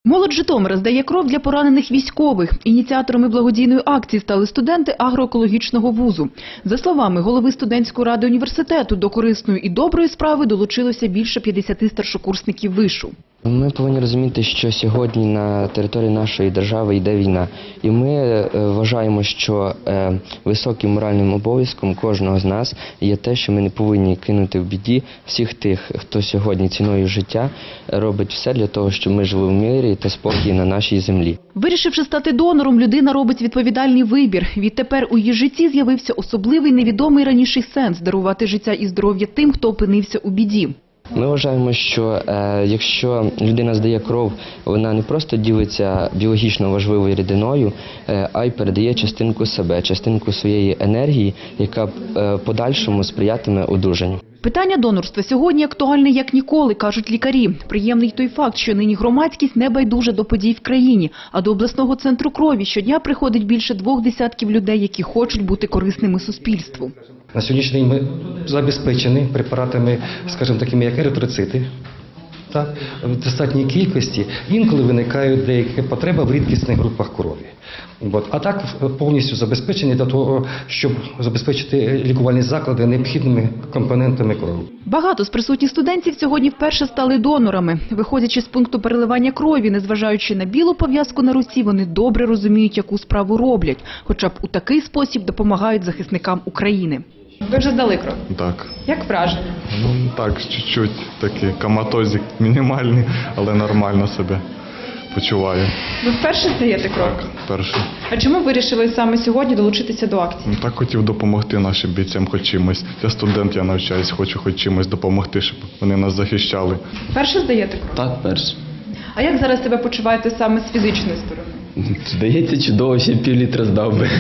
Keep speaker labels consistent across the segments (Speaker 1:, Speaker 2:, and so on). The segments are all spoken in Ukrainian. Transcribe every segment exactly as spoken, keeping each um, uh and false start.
Speaker 1: Молодь Житомира здає кров для поранених військових. Ініціаторами благодійної акції стали студенти агроекологічного вузу. За словами голови студентської ради університету, до корисної і доброї справи долучилося більше п'ятдесят старшокурсників вишу.
Speaker 2: Ми повинні розуміти, що сьогодні на території нашої держави йде війна. І ми вважаємо, що високим моральним обов'язком кожного з нас є те, що ми не повинні кинути в біді всіх тих, хто сьогодні ціною життя робить все для того, щоб ми жили в мирі та спокій на нашій землі.
Speaker 1: Вирішивши стати донором, людина робить відповідальний вибір. Відтепер у її житті з'явився особливий невідомий раніше сенс – дарувати життя і здоров'я тим, хто опинився у біді.
Speaker 2: Ми вважаємо, що е, якщо людина здає кров, вона не просто ділиться біологічно важливою рідиною, е, а й передає частинку себе, частинку своєї енергії, яка е, подальшому сприятиме одужанню.
Speaker 1: Питання донорства сьогодні актуальне як ніколи, кажуть лікарі. Приємний той факт, що нині громадськість не байдужа до подій в країні, а до обласного центру крові щодня приходить більше двох десятків людей, які хочуть бути корисними суспільству.
Speaker 3: На сьогоднішній день ми забезпечені препаратами, скажімо, такими як еритроцити, так, в достатній кількості. Інколи виникають деякі потреби в рідкісних групах крові. От. А так повністю забезпечені для того, щоб забезпечити лікувальні заклади необхідними компонентами крові.
Speaker 1: Багато з присутніх студентів сьогодні вперше стали донорами. Виходячи з пункту переливання крові, незважаючи на білу пов'язку на руці, вони добре розуміють, яку справу роблять. Хоча б у такий спосіб допомагають захисникам України.
Speaker 4: Ви вже здали кров?
Speaker 5: Так.
Speaker 4: Як враження?
Speaker 5: Ну так, чуть-чуть такі коматозик мінімальні, але нормально себе почуваю.
Speaker 4: Ви вперше здаєте кров?
Speaker 5: Так, перше.
Speaker 4: А чому вирішили саме сьогодні долучитися до акції?
Speaker 5: Ну, так хотів допомогти нашим бійцям хоч чимось. Я студент, я навчаюсь, хочу хоч чимось допомогти, щоб вони нас захищали.
Speaker 4: Вперше здаєте кров?
Speaker 6: Так, перше.
Speaker 4: А як зараз себе почуваєте саме з фізичної сторони?
Speaker 6: Здається, чудово, ще пів літра здав би.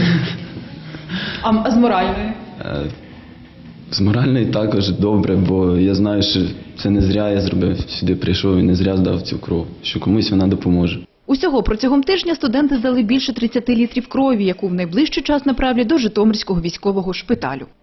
Speaker 4: А, а з моральної?
Speaker 6: З моральної також добре, бо я знаю, що це не зря я зробив, сюди прийшов і не зря здав цю кров, що комусь вона допоможе.
Speaker 1: Усього протягом тижня студенти здали більше тридцяти літрів крові, яку в найближчий час направлять до Житомирського військового шпиталю.